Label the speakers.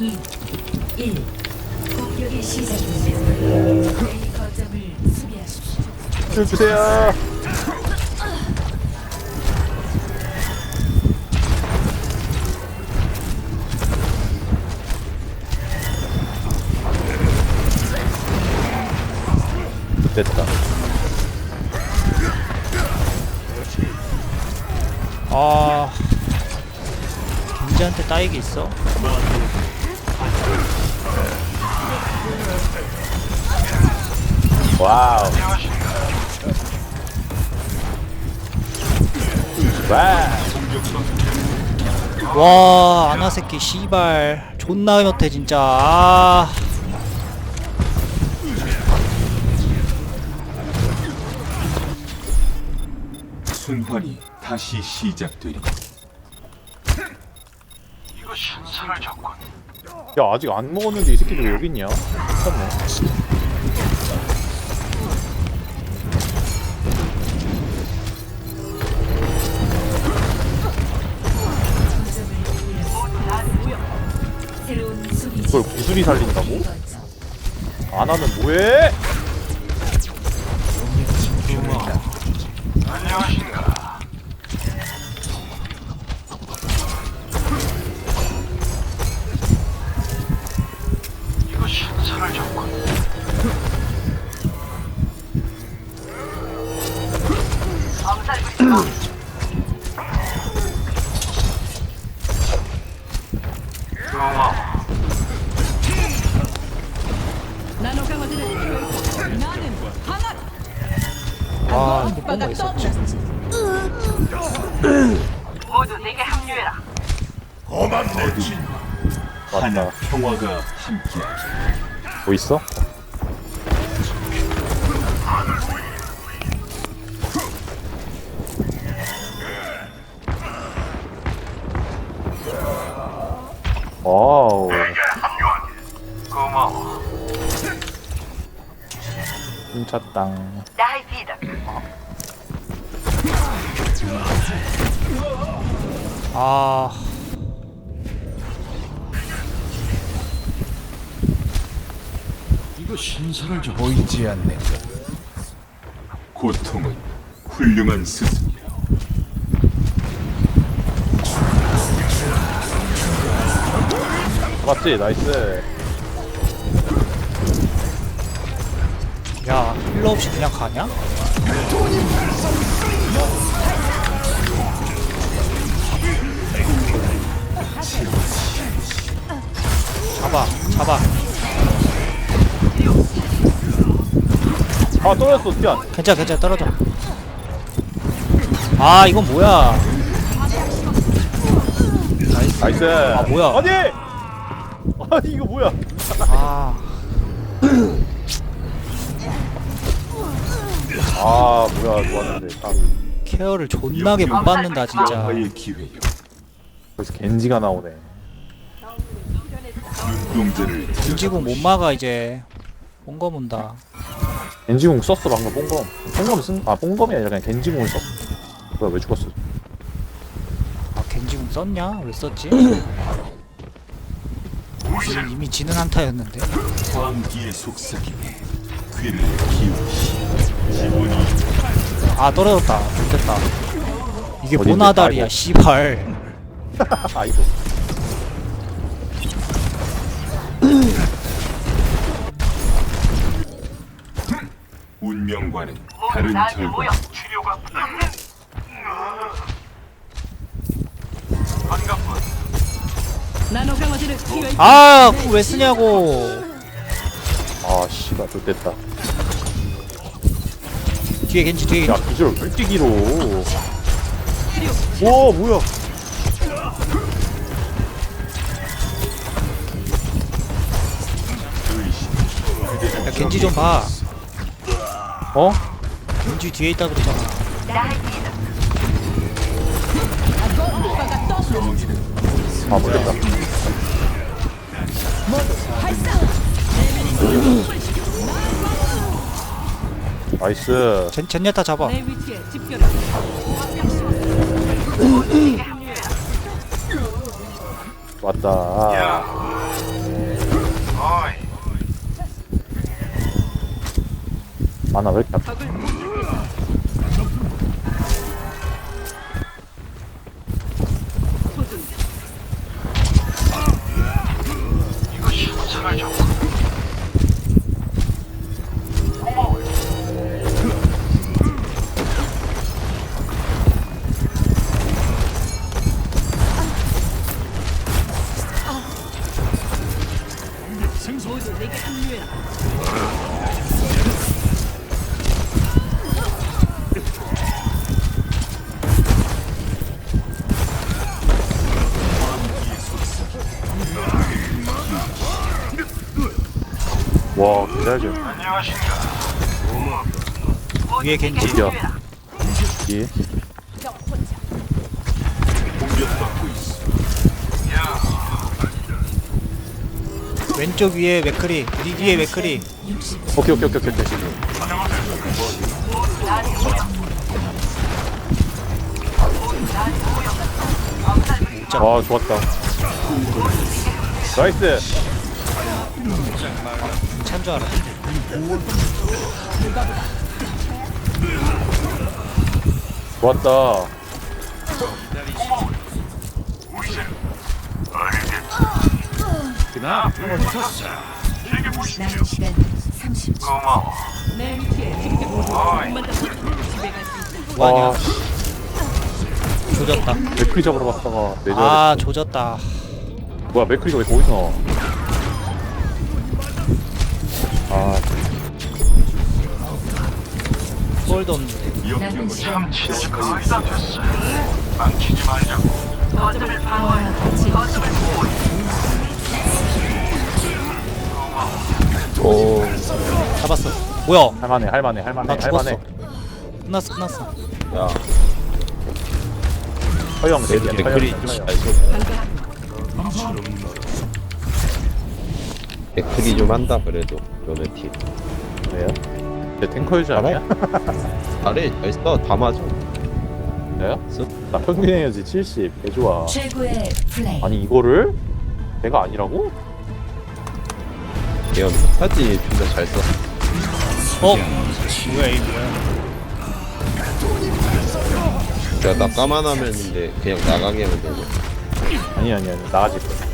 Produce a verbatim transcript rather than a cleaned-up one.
Speaker 1: 이, 일. 공격이 시작됩니다. A 거점을 수비하십시오.
Speaker 2: 줄 주세요. 됐다.
Speaker 3: 아, 겐지한테 따이게 있어?
Speaker 2: 와우. 와.
Speaker 3: 와, 아나 새끼 씨발 존나 못해 진짜. 아,
Speaker 4: 순환이 다시 시작되리. 이거 신선을 줬군.
Speaker 2: 야 아직 안 먹었는데 이 새끼들 왜 여기 있냐? 미쳤네.
Speaker 1: 새로운 수비
Speaker 2: 그걸 구슬이 살린다고?
Speaker 1: 거점.
Speaker 2: 안 하면 뭐해?
Speaker 4: 안녕하신가. 이거 신선을 줬군. 고마워.
Speaker 3: 와, 이거 뭔가 있었지.
Speaker 5: 모두 내게 합류해라.
Speaker 4: 어둠 하나
Speaker 2: 맞다.
Speaker 4: 평화가 함께하리.
Speaker 2: 뭐 있어? 와우.
Speaker 4: 고마워.
Speaker 2: 훔쳤당.
Speaker 5: 나이피다.
Speaker 3: 아,
Speaker 4: 이거 신선을 줘. 보이지 않는가. 고통은 훌륭한 스승이라.
Speaker 2: 맞지? 나이스.
Speaker 3: 야, 힐러 없이 그냥 가냐? 잡아, 잡아.
Speaker 2: 아 떨어졌어 미안.
Speaker 3: 괜찮아, 괜찮아, 떨어져. 아, 이건 뭐야?
Speaker 2: 나이스.
Speaker 3: 아, 뭐야?
Speaker 2: 아니. 아니 이거 뭐야?
Speaker 3: 아,
Speaker 2: 아 뭐야 좋았는데. 아,
Speaker 3: 케어를 존나게 못 받는다 진짜.
Speaker 4: 영화의 기회요.
Speaker 2: 벌써 겐지가 나오네.
Speaker 4: 눈동자를
Speaker 3: 겐지공 못 막아 이제. 본거 문다.
Speaker 2: 겐지공 썼어 방금 뽕검. 뽕검 쓴. 아 뽕검이 아니라 그냥 겐지공을 썼어. 뭐야 왜 죽었어?
Speaker 3: 아, 겐지공 썼냐? 왜 썼지? 지금 이미 지는 한타였는데.
Speaker 4: 광기의 속삭임에 귀를 기울이시. 기분이
Speaker 3: 아, 떨어졌다. 좋겠다. 이게
Speaker 2: 어딘데?
Speaker 3: 모나달이야
Speaker 2: 아이고.
Speaker 3: 씨발.
Speaker 2: 아이고.
Speaker 4: 운명과는 다른
Speaker 5: 나한테 모여.
Speaker 4: 결과. 치료가 반갑군.
Speaker 5: 나노 강화제를 필요해.
Speaker 3: 아, 그거 왜 쓰냐고.
Speaker 2: 아 씨발 좋됐다.
Speaker 3: 뒤에 겐지, 뒤에
Speaker 2: 야
Speaker 3: 겐지.
Speaker 2: 기절 왜 뛰기로. 와 뭐야?
Speaker 3: 야, 겐지 좀 봐.
Speaker 2: 어?
Speaker 3: 겐지 뒤에 있다 그러잖아.
Speaker 5: 나이피다.
Speaker 2: 아 모르겠다. 나이스.
Speaker 3: 젠, 젠야타 잡아.
Speaker 5: 내 위치에 집결해.
Speaker 2: 왔다. 아나 왜 이렇게 아파?
Speaker 5: 적을 공격했다. 소중. 모두 내게 합류해라.
Speaker 2: 와 기다려.
Speaker 3: 위에 겐지.
Speaker 2: 어디야? 이
Speaker 4: 공격받고 있어.
Speaker 3: 왼쪽 위에 맥크리. 니 뒤에 맥크리.
Speaker 1: 육십
Speaker 2: 오케이 오케이 오케이 오케이 오케이. 아 좋았다. 나이스.
Speaker 3: 찬 줄 알아.
Speaker 2: 좋았다.
Speaker 1: 남은 시간 삼십 초.
Speaker 5: 내 위치에 집결. 한번 더. 집에 갈 수 있다.
Speaker 3: 뭐하냐?
Speaker 2: 와
Speaker 3: 조졌다.
Speaker 2: 맥크리 잡으러 갔다가 내줘.
Speaker 3: 아 조졌다.
Speaker 2: 뭐야 맥크리가 왜 거기서 나와? 아
Speaker 3: 볼도 없는데.
Speaker 1: 남은 시간
Speaker 5: 거점을 방어해라. 거점을
Speaker 2: 오.
Speaker 3: 잡았어. 뭐야?
Speaker 2: 할만해 할만해 할만해
Speaker 3: 나 죽었어.
Speaker 2: 할만해.
Speaker 3: 끝났어 끝났어.
Speaker 6: 야,
Speaker 2: 허영 대기야.
Speaker 6: 맥클이
Speaker 2: 허영,
Speaker 6: 좀
Speaker 2: 허영.
Speaker 6: 잘 쏘. 맥클이 좀 한다 그래도 너네 팀.
Speaker 2: 왜요? 내 탱커 유저 아니야?
Speaker 6: 잘해, 잘 써, 다 맞아.
Speaker 2: 내가? 나 평균 에너지 칠십. 개 좋아.
Speaker 1: 최고의 플레이.
Speaker 2: 아니 이거를 내가 아니라고?
Speaker 6: 얘가 사지 존나 잘 써.
Speaker 3: 어? 뭐야 이 뭐야?
Speaker 6: 야, 나 까만 화면인데 그냥 나가게 하면 되냐?
Speaker 2: 아니 아니 아니 나아질 거야.